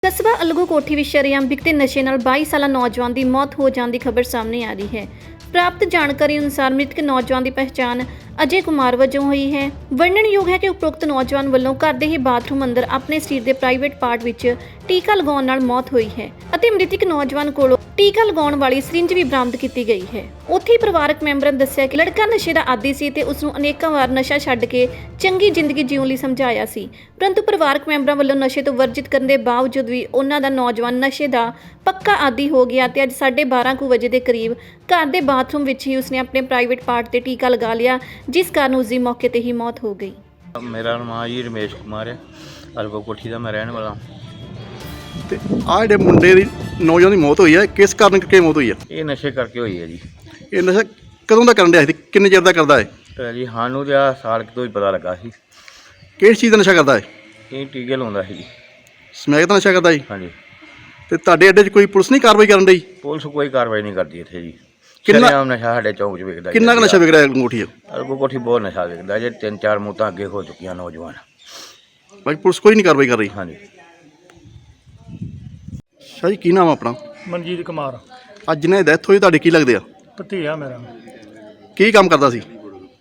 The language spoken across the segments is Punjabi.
ਕਸਬਾ ਅਲਗੂ ਕੋਠੀ ਵਿੱਚ ਸ਼ਰੇਆਮ ਵਿਕਦੇ ਨਸ਼ੇ ਨਾਲ 22 ਸਾਲਾ ਨੌਜਵਾਨ ਦੀ ਮੌਤ ਹੋ ਜਾਣ ਦੀ ਖਬਰ ਸਾਹਮਣੇ ਆ ਰਹੀ ਹੈ। ਪ੍ਰਾਪਤ ਜਾਣਕਾਰੀ ਅਨੁਸਾਰ ਮ੍ਰਿਤਕ ਨੌਜਵਾਨ ਦੀ ਪਹਿਚਾਣ ਅਜੇ ਕੁਮਾਰ ਵਜੋਂ ਹੋਈ ਹੈ। ਵਰਣਨਯੋਗ ਹੈ ਕਿ ਉਪਰੋਕਤ ਨੌਜਵਾਨ ਵੱਲੋਂ ਘਰ ਦੇ ਹੀ ਬਾਥਰੂਮ ਅੰਦਰ ਆਪਣੇ ਸਰੀਰ ਦੇ ਪ੍ਰਾਈਵੇਟ ਪਾਰਟ ਵਿੱਚ ਟੀਕਾ ਲਗਾਉਣ ਨਾਲ ਮੌਤ ਹੋਈ ਹੈ ਅਤੇ ਮ੍ਰਿਤਕ ਨੌਜਵਾਨ ਕੋਲੋਂ ਟੀਕਾ ਲਗਾਉਣ ਵਾਲੀ ਸਿਰਿੰਜ ਵੀ ਬਰਾਮਦ ਕੀਤੀ ਗਈ ਹੈ। ਉੱਥੇ ਹੀ ਪਰਿਵਾਰਕ ਮੈਂਬਰਾਂ ਨੇ ਦੱਸਿਆ ਕਿ ਲੜਕਾ ਨਸ਼ੇ ਦਾ ਆਦੀ ਸੀ ਤੇ ਉਸ ਨੂੰ ਅਨੇਕਾਂ ਵਾਰ ਨਸ਼ਾ ਛੱਡ ਕੇ ਚੰਗੀ ਜ਼ਿੰਦਗੀ ਜਿਉਣ ਲਈ ਸਮਝਾਇਆ ਸੀ, ਪਰੰਤੂ ਪਰਿਵਾਰਕ ਮੈਂਬਰਾਂ ਵੱਲੋਂ ਨਸ਼ੇ ਤੋਂ ਵਰਜਿਤ ਕਰਨ ਦੇ ਬਾਵਜੂਦ ਵੀ ਉਹਨਾਂ ਦਾ ਨੌਜਵਾਨ ਨਸ਼ੇ ਦਾ ਪੱਕਾ ਆਦੀ ਹੋ ਗਿਆ ਤੇ ਅੱਜ 12:30 ਵਜੇ ਦੇ ਕਰੀਬ ਘਰ ਦੇ ਬਾਥਰੂਮ ਵਿੱਚ ਹੀ ਉਸਨੇ ਆਪਣੇ ਪ੍ਰਾਈਵੇਟ ਪਾਰਟ ਤੇ ਟੀਕਾ ਲਗਾ ਲਿਆ, ਜਿਸ ਕਾਰਨ ਉਸ ਦੀ ਮੌਕੇ ਤੇ ਹੀ ਮੌਤ ਹੋ ਗਈ। ਮੇਰਾ ਨਾਮ ਜੀ ਰਮੇਸ਼ ਕੁਮਾਰ ਹੈ, ਅਲਗੋ ਕੋਠੀ ਦਾ ਮੈਂ ਰਹਿਣ ਵਾਲਾ। ਤੇ ਆਹ ਜਿਹੜੇ ਮੁੰਡੇ ਦੀ ਨੌਜਵਾਨ ਦੀ ਮੌਤ ਹੋਈ ਹੈ, ਕਿਸ ਕਾਰਨ ਕਰਕੇ ਮੌਤ ਹੋਈ ਹੈ? ਇਹ ਨਸ਼ੇ ਕਰਕੇ ਹੋਈ ਹੈ ਜੀ। ਇਹ ਨਸ਼ਾ ਕਦੋਂ ਦਾ ਕਰਨ ਰਿਹਾ ਸੀ, ਕਿੰਨੇ ਚਿਰ ਦਾ ਕਰਦਾ ਹੈ? ਤੇ ਜੀ ਸਾਨੂੰ ਤਾਂ ਆਹ ਸਾਲ ਕੁ ਤੋਂ ਹੀ ਪਤਾ ਲੱਗਾ ਸੀ। ਕਿਸ ਚੀਜ਼ ਦਾ ਨਸ਼ਾ ਕਰਦਾ ਹੈ? ਇਹ ਟੀਕੇ ਲਾਉਂਦਾ ਸੀ ਜੀ। ਸਮੈਕ ਦਾ ਨਸ਼ਾ ਕਰਦਾ ਜੀ। ਹਾਂਜੀ। ਤੇ ਤੁਹਾਡੇ ਅੱਡੇ 'ਚ ਕੋਈ ਪੁਲਿਸ ਨਹੀਂ ਕਾਰਵਾਈ ਕਰਨ ਡਈ? ਪੁਲਿਸ ਕੋਈ ਕਾਰਵਾਈ ਨਹੀਂ ਕਰਦੀ ਇੱਥੇ ਜੀ। ਕਿੰਨਾ ਨਸ਼ਾ ਸਾਡੇ ਚੌਂਕ 'ਚ ਵਿਕਦਾ। ਕਿੰਨਾ ਕੁ ਨਸ਼ਾ ਵਿਕ ਰਿਹਾ ਅੰਗੂਠੀ? ਅਲਗੋ ਕੋਠੀ ਬਹੁਤ ਨਸ਼ਾ ਵਿਕਦਾ ਜੇ 3-4 ਮੌਤਾਂ ਅੱਗੇ ਹੋ ਚੁੱਕੀਆਂ ਨੌਜਵਾਨ। ਬਾਕੀ ਪੁਲਿਸ ਕੋਈ ਨਹੀਂ ਕਾਰਵਾਈ ਕਰ ਰਹੀ। ਹਾਂਜੀ। ਸ਼ਾਹ ਜੀ, ਕੀ ਨਾਮ ਆ ਆਪਣਾ? ਮਨਜੀਤ ਕੁਮਾਰ। ਅੱਜ ਜਿਹਨੇ ਡੈਥ ਹੋਈ ਤੁਹਾਡੇ ਕੀ ਲੱਗਦੇ ਆ? ਭਤੀਆ ਮੇਰਾ। ਕੀ ਕੰਮ ਕਰਦਾ ਸੀ?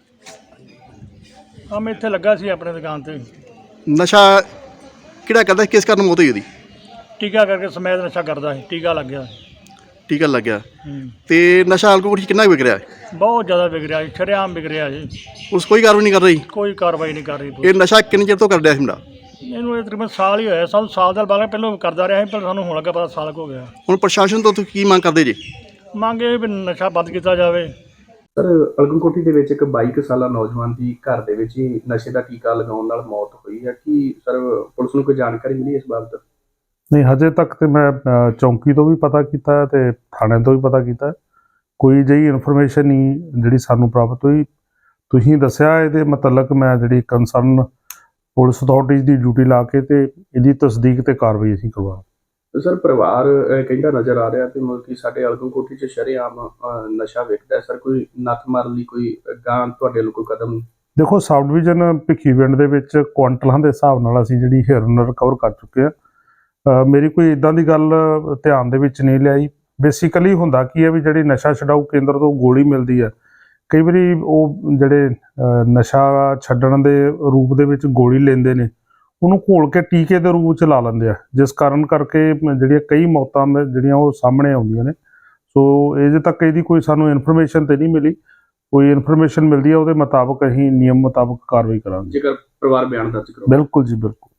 ਮੈਂ ਇੱਥੇ ਲੱਗਾ ਸੀ ਆਪਣੇ ਦੁਕਾਨ ਤੇ। ਨਸ਼ਾ ਕਿਹੜਾ ਕਰਦਾ ਸੀ, ਕਿਸ ਕਾਰਨ ਮੌਤ ਹੋਈ ਉਹਦੀ? ਟੀਕਾ ਕਰਕੇ ਸਮੈਦ ਨਸ਼ਾ ਕਰਦਾ ਸੀ, ਟੀਕਾ ਲੱਗ ਗਿਆ। ਟੀਕਾ ਲੱਗ ਗਿਆ। ਤੇ ਨਸ਼ਾ ਅੰਗੂਠੀ ਕਿੰਨਾ ਕੁ ਵਿਕ ਰਿਹਾ ਹੈ? ਬਹੁਤ ਜ਼ਿਆਦਾ ਵਿਕ ਰਿਹਾ ਜੀ, ਸ਼ਰੇਆਮ ਵਿਕ ਰਿਹਾ ਜੀ। ਪੁਲਿਸ ਕੋਈ ਕਾਰਵਾਈ ਨਹੀਂ ਕਰ ਰਹੀ? ਕੋਈ ਕਾਰਵਾਈ ਨਹੀਂ ਕਰ ਰਹੀ ਇਹ ਪੁਲਿਸ। ਨਸ਼ਾ ਕਿੰਨੇ ਚਿਰ ਤੋਂ ਕਰ ਰਿਹਾ ਸੀ ਮੁੰਡਾ? ਇਹਨੂੰ ਇਹ ਤਕਰੀਬਨ ਸਾਲ ਹੀ ਹੋਇਆ। ਸਾਨੂੰ ਸਾਲ ਦਾ ਬਾਅਦ ਪਹਿਲਾਂ ਕਰਦਾ ਰਿਹਾ ਸੀ, ਪਰ ਸਾਨੂੰ ਹੁਣ ਲੱਗਾ ਪਤਾ ਸਾਲ ਕੁ ਹੋ ਗਿਆ। ਹੁਣ ਪ੍ਰਸ਼ਾਸਨ ਤੋਂ ਤੁਸੀਂ ਕੀ ਮੰਗ ਕਰਦੇ ਜੀ? ਮੰਗ ਇਹ ਵੀ ਨਸ਼ਾ ਬੰਦ ਕੀਤਾ ਜਾਵੇ। ਸਰ, ਅਲਗੂ ਕੋਠੀ ਦੇ ਵਿੱਚ ਇੱਕ 22 ਸਾਲਾ ਨੌਜਵਾਨ ਦੀ ਘਰ ਦੇ ਵਿੱਚ ਹੀ ਨਸ਼ੇ ਦਾ ਟੀਕਾ ਲਗਾਉਣ ਨਾਲ ਮੌਤ ਹੋਈ ਹੈ। ਕੀ ਸਰ ਪੁਲਿਸ ਨੂੰ ਕੋਈ ਜਾਣਕਾਰੀ ਮਿਲੀ ਇਸ ਬਾਬਤ? ਨਹੀਂ, ਹਜੇ ਤੱਕ ਤੇ ਮੈਂ ਚੌਂਕੀ ਤੋਂ ਵੀ ਪਤਾ ਕੀਤਾ ਤੇ ਥਾਣੇ ਤੋਂ ਵੀ ਪਤਾ ਕੀਤਾ, ਕੋਈ ਜਿਹੀ ਇਨਫੋਰਮੇਸ਼ਨ ਨਹੀਂ ਜਿਹੜੀ ਸਾਨੂੰ ਪ੍ਰਾਪਤ ਹੋਈ। ਤੁਸੀਂ ਦੱਸਿਆ ਇਹਦੇ ਮੁਤਲਕ ਮੈਂ ਜਿਹੜੀ ਕੰਸਰਨ ਪੁਲਿਸ ਅਥਾਰਟੀਜ਼ ਦੀ ਡਿਊਟੀ ਲਾ ਕੇ ਤੇ ਇਹਦੀ ਤਸਦੀਕ ਤੇ ਕਾਰਵਾਈ ਅਸੀਂ ਕਰਵਾ। ਸਰ, ਪਰਿਵਾਰ ਕਹਿੰਦਾ ਨਜ਼ਰ ਆ ਰਿਹਾ ਤੇ ਮਤਲਬ ਕਿ ਸਾਡੇ ਅਲਗੂ ਕੋਠੀ 'ਚ ਸ਼ਰੇਆਮ ਨਸ਼ਾ ਵਿਕਦਾ ਹੈ। ਸਰ, ਕੋਈ ਨੱਥ ਮਾਰਨ ਲਈ ਕੋਈ ਗਾਂ ਤੁਹਾਡੇ ਵੱਲੋਂ ਕੋਈ ਕਦਮ? ਦੇਖੋ, ਸਬ ਡਿਵੀਜ਼ਨ ਭਿੱਖੀਵਿੰਡ ਦੇ ਵਿੱਚ ਕੁਆਂਟਲਾਂ ਦੇ ਹਿਸਾਬ ਨਾਲ ਅਸੀਂ ਜਿਹੜੀ ਹਿਰਨ ਰਿਕਵਰ ਕਰ ਚੁੱਕੇ ਹਾਂ। ਮੇਰੀ ਕੋਈ ਇਦਾਂ ਦੀ ਗੱਲ ਧਿਆਨ ਦੇ ਵਿੱਚ ਨਹੀਂ ਲਿਆਈ। ਬੇਸਿਕਲੀ ਹੁੰਦਾ ਕੀ ਹੈ ਵੀ ਜਿਹੜੀ ਨਸ਼ਾ ਛਡਾਊ ਕੇਂਦਰ ਤੋਂ ਗੋਲੀ ਮਿਲਦੀ ਹੈ, ਕਈ ਵਾਰੀ ਉਹ ਜਿਹੜੇ ਨਸ਼ਾ ਛੱਡਣ ਦੇ ਰੂਪ ਦੇ ਵਿੱਚ ਗੋਲੀ ਲੈਂਦੇ ਨੇ, ਉਹਨੂੰ ਘੋਲ ਕੇ ਟੀਕੇ ਦੇ ਰੂਪ 'ਚ ਲਾ ਲੈਂਦੇ ਆ, ਜਿਸ ਕਾਰਨ ਕਰਕੇ ਜਿਹੜੀਆਂ ਕਈ ਮੌਤਾਂ ਜਿਹੜੀਆਂ ਉਹ ਸਾਹਮਣੇ ਆਉਂਦੀਆਂ ਨੇ। ਸੋ ਅਜੇ ਤੱਕ ਇਹਦੀ ਕੋਈ ਸਾਨੂੰ ਇਨਫੋਰਮੇਸ਼ਨ ਤੇ ਨਹੀਂ ਮਿਲੀ। ਕੋਈ ਇਨਫੋਰਮੇਸ਼ਨ ਮਿਲਦੀ ਹੈ ਉਹਦੇ ਮੁਤਾਬਕ ਅਸੀਂ ਨਿਯਮ ਮੁਤਾਬਕ ਕਾਰਵਾਈ ਕਰਾਂਗੇ। ਜੇਕਰ ਪਰਿਵਾਰ ਬਿਆਨ ਦਰਜ ਕਰੋ। ਬਿਲਕੁਲ ਜੀ, ਬਿਲਕੁਲ।